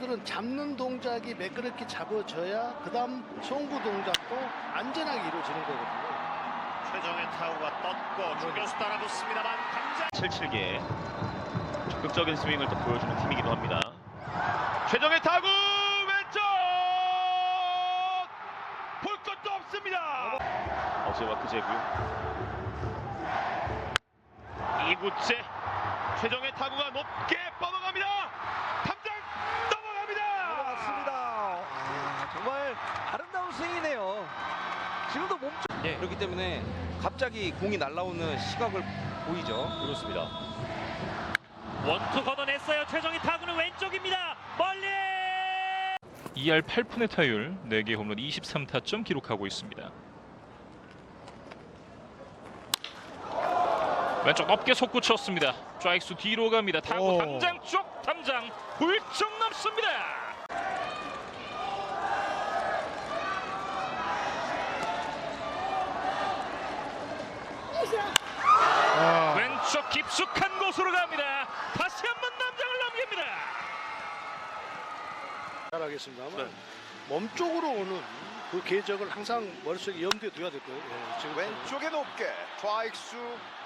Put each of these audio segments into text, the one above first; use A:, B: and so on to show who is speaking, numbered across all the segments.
A: 투수들은 잡는 동작이 매끄럽게 잡아져야 그다음 송구 동작도 안전하게 이루어지는 거거든요.
B: 최정의 타구가 떴고 중견수 따라붙습니다만 당장
C: 77개 적극적인 스윙을 또 보여주는 팀이기도 합니다. 최정의 타구 왼쪽 볼 것도 없습니다. 어제와 그제고요. 2구째 최정의 타구가 높게 뻗어갑니다. 탐장 넘어갑니다.
D: 맞습니다. 정말 아름다운 스윙이네요. 지금도 몸쪽 그렇기 때문에 갑자기 공이 날아오는 시각을 보이죠.
E: 그렇습니다. 원투 걷어냈어요. 최정희 타구는 왼쪽입니다. 멀리
F: 2할 8푼의 타율, 4개 홈런 23타점 기록하고 있습니다. 왼쪽 높게 솟구쳤습니다. 좌익수 뒤로 갑니다. 타구 담장 쪽 담장 훌쩍 넘습니다. 왼쪽 깊숙한 곳으로 갑니다. 다시 한번 담장을 넘깁니다.
A: 잘하겠습니다만 몸쪽으로 오는 그 궤적을 항상 머릿속에 염두에 둬야 될 거예요. 예, 지금
B: 왼쪽에 높게 좌익수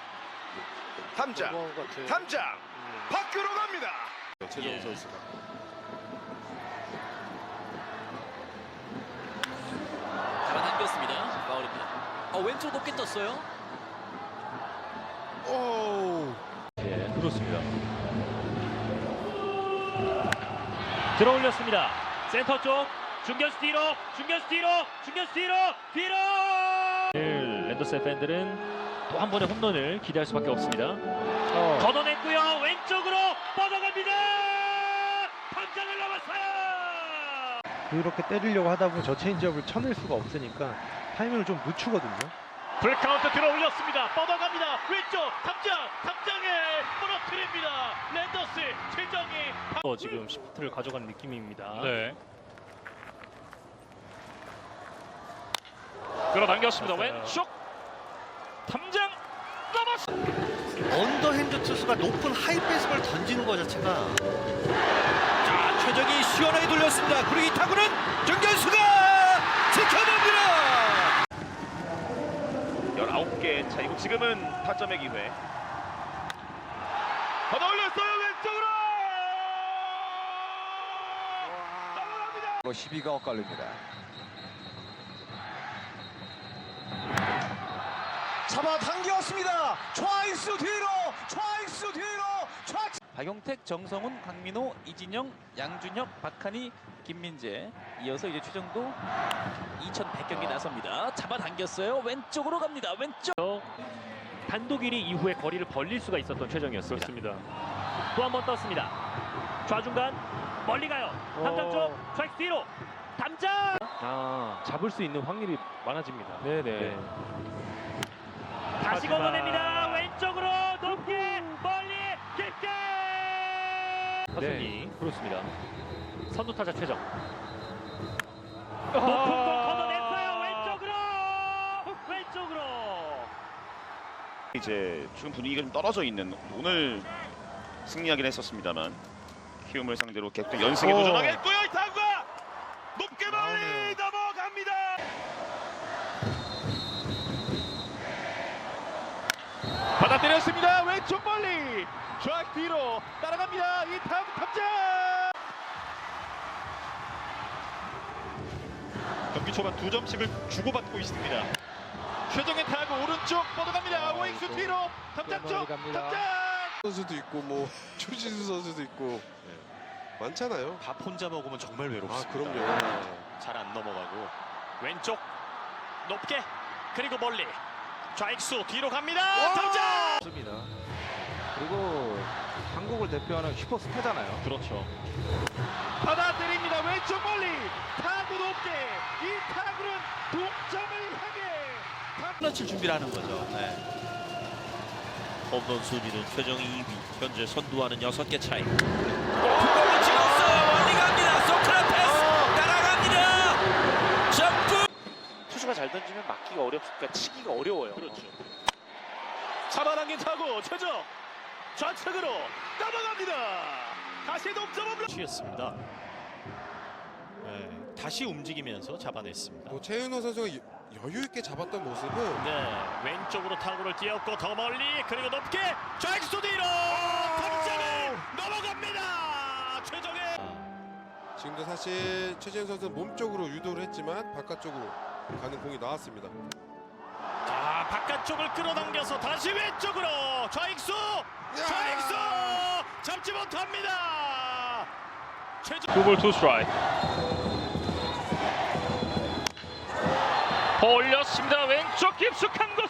B: 탐장 탐장 밖으로 갑니다.
A: 최정우 선수가
E: 잡아당겼습니다. 파울입니다. 왼쪽 높게 떴어요.
F: 예, 그렇습니다.
E: 들어올렸습니다. 센터 쪽 중견수 뒤로 뒤로 랜더스 팬들은 또 한 번의 홈런을 기대할 수밖에 없습니다. 걷어냈고요. 왼쪽으로 뻗어갑니다. 탐장을 넘었어요.
G: 그렇게 때리려고 하다 보면 저 체인지업을 쳐낼 수가 없으니까 타이밍을 좀 늦추거든요.
E: 풀카운트 들어올렸습니다. 뻗어갑니다. 왼쪽 탐장에 무너뜨립니다. 랜더스 최정희 지금 시프트를 가져간 느낌입니다.
F: 네. 끌어당겼습니다.
E: 맞아요.
F: 왼쪽 탐장 넘었습니다.
H: 언더핸드 투수가 높은 하이 베이스볼 던지는 것 자체가 자 최정이 시원하게 돌렸습니다. 그리고 이 타구는 정견수가 지켜냅니다.
C: 19개 차이고 지금은 타점의 기회. 걷어 올렸어요. 왼쪽으로 넘어갑니다.
D: 시비가 엇갈립니다. 잡아당겼습니다. 좌익수 뒤로
I: 박용택, 정성훈, 강민호, 이진영, 양준혁, 박한희, 김민재 이어서 이제 최정도 2100경기 나섭니다. 잡아당겼어요. 왼쪽으로 갑니다. 왼쪽
E: 단독 1위 이후에 거리를 벌릴 수가 있었던 최정이었습니다.
F: 그렇습니다.
E: 또 한 번 떴습니다. 좌중간 멀리 가요. 담장 쪽 좌익 뒤로 담장.
F: 잡을 수 있는 확률이 많아집니다. 네네.
E: 다시 걷어냅니다. 왼쪽으로 높게 멀리 깊게.
F: 네, 그렇습니다.
E: 선두 타자 최정. 높은 공 걷어냈어요. 왼쪽으로.
C: 이제 지금 분위기가 좀 떨어져 있는 오늘 승리하긴 했었습니다만 키움을 상대로 계속 연승에 도전하겠고요. 이 타구가 높게 멀리 넘어갑니다. 받아때렸습니다. 왼쪽 멀리 좌익 뒤로 따라갑니다. 이 타구 탑장. 경기 초반 2점씩을 주고받고 있습니다. 최정의 타구 오른쪽 뻗어갑니다. 오익수 뒤로 탑장 쪽 탑장.
J: 선수도 있고 뭐 추진수 선수도 있고 많잖아요.
B: 밥 혼자 먹으면 정말 외롭습니다.
J: 그럼요.
B: 잘 안 넘어가고 왼쪽 높게 그리고 멀리 좌익수 뒤로 갑니다. 탐장.
D: 맞습니다. 그리고 한국을 대표하는 슈퍼스타잖아요.
E: 그렇죠.
C: 받아들입니다. 왼쪽 멀리 타구 높게 이 타구는 동점을 향해
H: 플러칠 준비를 하는 거죠. 홈런 순위는 최정이 2위. 현재 선두하는 6개 차이. 높은 공을 찍었어요. 멀리 갑니다. 소크라테스 따라갑니다. 점프.
E: 투수가 잘 던지면 막기가 어렵니까 치기가 어려워요.
B: 그렇죠. 잡아당긴 타구 최정 좌측으로 넘어갑니다. 다시 동점 홈런. 취했습니다. 다시 움직이면서 잡아냈습니다.
J: 뭐 최윤호 선수가 여유 있게 잡았던 모습은
B: 네, 왼쪽으로 타구를 띄웠고 더 멀리 그리고 높게 좌익수 뒤로 탑장을 넘어갑니다. 최정의
J: 지금도 사실 최재현 선수는 몸쪽으로 유도를 했지만 바깥쪽으로 가는 공이 나왔습니다.
B: 자 바깥쪽을 끌어당겨서 다시 왼쪽으로 좌익수 잡지 못합니다.
F: 투볼 투 스트라이크. 올렸습니다. 왼쪽 깊숙한 곳